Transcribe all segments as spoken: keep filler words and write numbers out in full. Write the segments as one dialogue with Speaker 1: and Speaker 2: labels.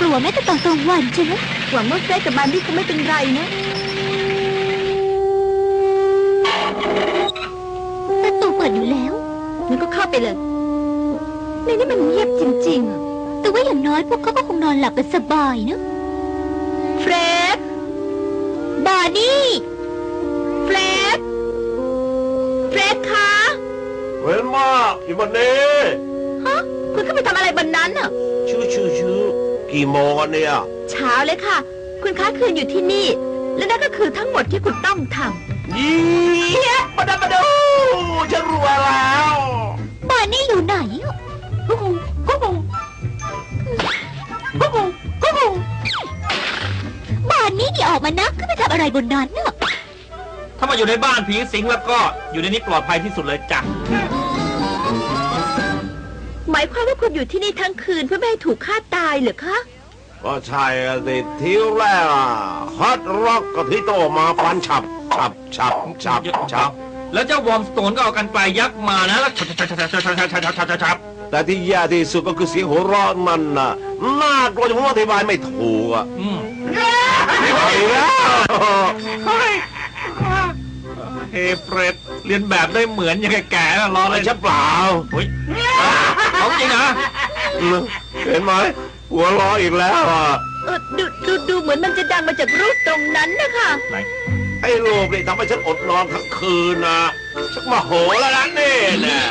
Speaker 1: ลัวแม้แต่ตอนกลางวันใช่ไหม
Speaker 2: หวังว่าเฟรดกับมันนี่คงไม่เป็นไรนะ
Speaker 1: ประตูเปิดอยู่แล้ว
Speaker 2: งั้นก็เข้าไปเลยในนี้มันเงียบจริง
Speaker 1: ๆแต่ว่าอย่างน้อยพวกเขาก็คงนอนหลับกันสบายนะ
Speaker 2: เฟรด
Speaker 1: บาร์นี่
Speaker 2: เฟรดเฟรดคะ
Speaker 3: เว้นมากอีวันนี้
Speaker 2: ฮะคุณขึ้นไปทำอะไรบนนั้นอ่ะ
Speaker 3: ชื่อชื่อชื่อกี่โมงกันเนี่ย
Speaker 2: เช้าเลยค่ะคุณค้าคืนอยู่ที่นี่และนั่นก็คือทั้งหมดที่คุณต้องทำ
Speaker 3: เยี่ยมมาดูมาดูฉันรู้แล้ว
Speaker 1: บาร์นี่อยู่ไหน
Speaker 2: กุ๊กกุ๊กกุ๊กกุ๊กกุ๊กกุ๊ก
Speaker 1: บาร์นี่ที่ออกมานะขึ้นไปทำอะไรบนนั้นน่ะ
Speaker 4: ถ้ามาอยู่ในบ้านผีสิงแล้วก็อยู่ในนี้ปลอดภัยที่สุดเลยจ้ะ
Speaker 2: หมายความว่าคุณอยู่ที่นี่ทั้งคืนเพื่อไม่ให้ถูกฆ่าตายเหรอคะ
Speaker 3: ก็ใช่สิทีแรกฮอตร็อกกับที่โตมาฟันฉับฉับฉับฉับฉับ
Speaker 4: แล้วเจ้าวอร์มสโตนก็เอากันไกลยักษ์มานะแล้วฉับฉับฉับฉับฉับฉับฉับฉับฉับฉับ
Speaker 3: แต่ที่แย่ที่สุดก็คือเสียงหัวเราะมันน่ะน่ากลัวจนผมอธิบายไม่ถูกอ่ะ
Speaker 4: อืม
Speaker 3: ไปแล้ว
Speaker 4: เฮ้เฟรดเรียนแบบได้เหมือนยังแก่ๆล้อเลย
Speaker 3: ใช่เปล่า
Speaker 4: เฮ้ยเอาจริงนะ
Speaker 3: เห็นไหมหัวล้ออีกแล้วอ่ะ
Speaker 2: เออดูดูดูเหมือนมันจะดังมาจากรูปตรงนั้นนะคะ
Speaker 4: ไหน
Speaker 3: ไอ้รูปนี่ทำให้ฉันอดนอนทั้งคืนนะชักมาโหแล้วนะนี่นะ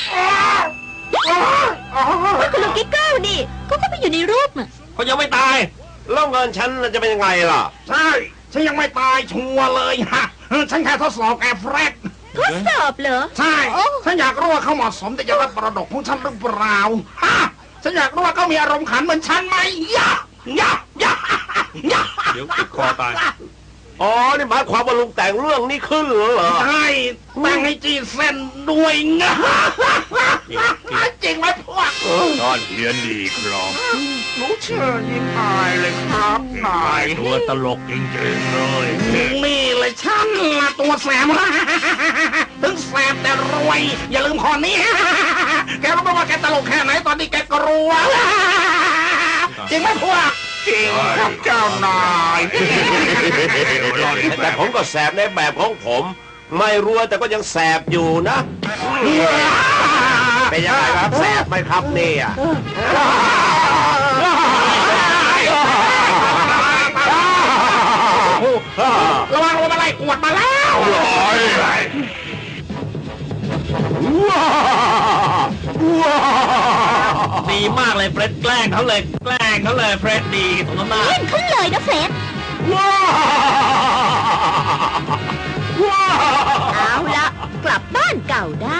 Speaker 2: คุณลุงกิ๊กเก้านี่เขาก็ไปอยู่ในรูปอ่ะ
Speaker 4: เขายังไม่ตาย
Speaker 3: แล้วเงินฉันจะเป็นยังไงล่ะ
Speaker 5: ใช่ฉันยังไม่ตายชัวร์เลยฮะฉันแค่ทดสอบแอร์เฟรด
Speaker 2: ทดสอบเหรอ
Speaker 5: ใช่ฉันอยากรู้ว่าเขาเหมาะสมที่จะรับมรดกของฉันหรือเปล่าฮะฉันอยากรู้ว่าเขามีอารมณ์ขันเหมือนฉันไหมยะยะยะยะ
Speaker 4: เดี๋ยวติดคอตาย
Speaker 3: อ๋อนี่หมายความว่าลุงแต่งเรื่องนี้ขึ้นเหรอ
Speaker 5: ใช่แต่งให้จีเส้นด้วยงะจริงไหมพวก
Speaker 4: ตอนเฮียนดีครับ
Speaker 5: รู้เชื่อยิ่งอายเลยครับนาย
Speaker 4: ตัวตลกจริงๆเลย
Speaker 5: นี่เลยฉันละตัวแสบถึงแสบแต่รวยอย่าลืมข้อนี้แกรู้ไหมว่าแกตลกแค่ไหนตอนนี้แกกลัวจริงไหมพวกจริงครับเจ้านาย
Speaker 3: แต่ผมก็แสบในแบบของผมไม่รวยแต่ก็ยังแสบอยู่นะเป็นยังไงครับแสบไหมครับเนี่ย
Speaker 5: ระวังลมอะไรกวดมาแล้ว
Speaker 4: ดีมากเลยเฟรดแกล้งเขาเลยแกล้งเขาเลยเฟรดดีสมน้ำหน้า
Speaker 1: เล่นขึ้นเลยนะเฟรด
Speaker 2: เอาละกลับบ้านเก่าได้